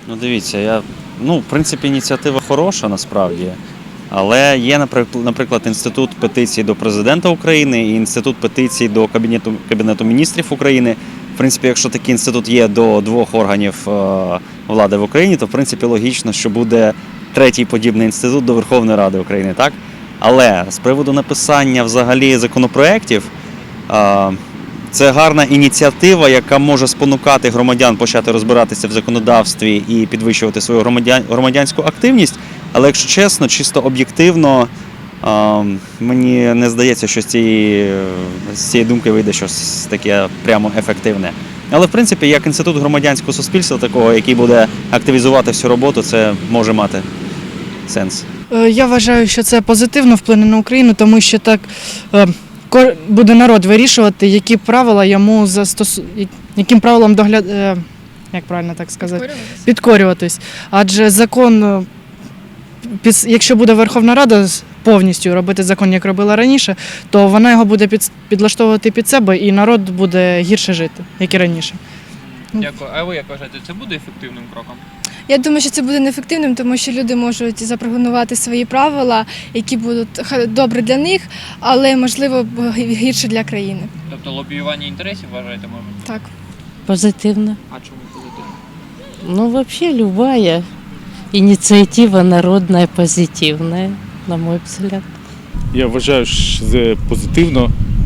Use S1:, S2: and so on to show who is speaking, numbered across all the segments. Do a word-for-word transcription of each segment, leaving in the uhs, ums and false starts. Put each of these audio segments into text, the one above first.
S1: Ну, дивіться, я, ну, в принципі, ініціатива хороша насправді, але є, наприк- наприклад, інститут петицій до президента України і інститут петицій до Кабінету, Кабінету міністрів України. В принципі, якщо такий інститут є до двох органів е, влади в Україні, то в принципі логічно, що буде третій подібний інститут до Верховної Ради України, так? Але з приводу написання взагалі законопроєктів, е, це гарна ініціатива, яка може спонукати громадян почати розбиратися в законодавстві і підвищувати свою громадян, громадянську активність. Але якщо чесно, чисто об'єктивно, е, мені не здається, що з цієї, з цієї думки вийде щось таке прямо ефективне. Але в принципі, як інститут громадянського суспільства, такого, який буде активізувати всю роботу, це може мати сенс.
S2: Е, Я вважаю, що це позитивно вплине на Україну, тому що так е, кор- буде народ вирішувати, які правила йому застосу... яким правилам догляд... е, як правильно так сказати?
S3: Підкорюватись?
S2: Підкорюватись. Адже закон, е, піс- якщо буде Верховна Рада з- повністю робити закон, як робила раніше, то вона його буде під... підлаштовувати під себе, і народ буде гірше жити, як і раніше.
S4: Дякую. А ви як вважаєте, це буде ефективним кроком?
S3: Я думаю, що це буде неефективним, тому що люди можуть запрограмувати свої правила, які будуть ха- добре для них, але можливо б- гірше для країни.
S4: Тобто лобіювання інтересів вважаєте може?
S3: Так.
S5: Позитивно.
S4: А чому позитивно?
S5: Ну, вообще любая инициатива народная позитивная, на мой взгляд.
S6: Я вважаю, що це позитивно,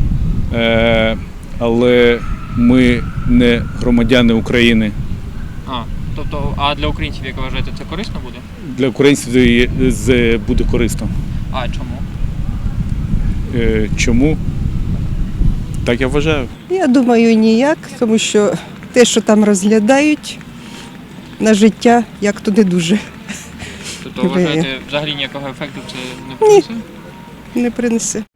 S6: е, але ми не громадяни України.
S4: А, тобто, а для українців, як ви вважаєте, це корисно буде?
S6: Для українців це є- це буде корисно.
S4: А чому?
S6: Е, Чому? Так я вважаю.
S7: Я думаю, ніяк, тому що те, що там розглядають на життя, як то не дуже
S4: Тобто
S7: Ідея.
S4: вважаєте, взагалі ніякого ефекту це не принесе?
S7: не принесе.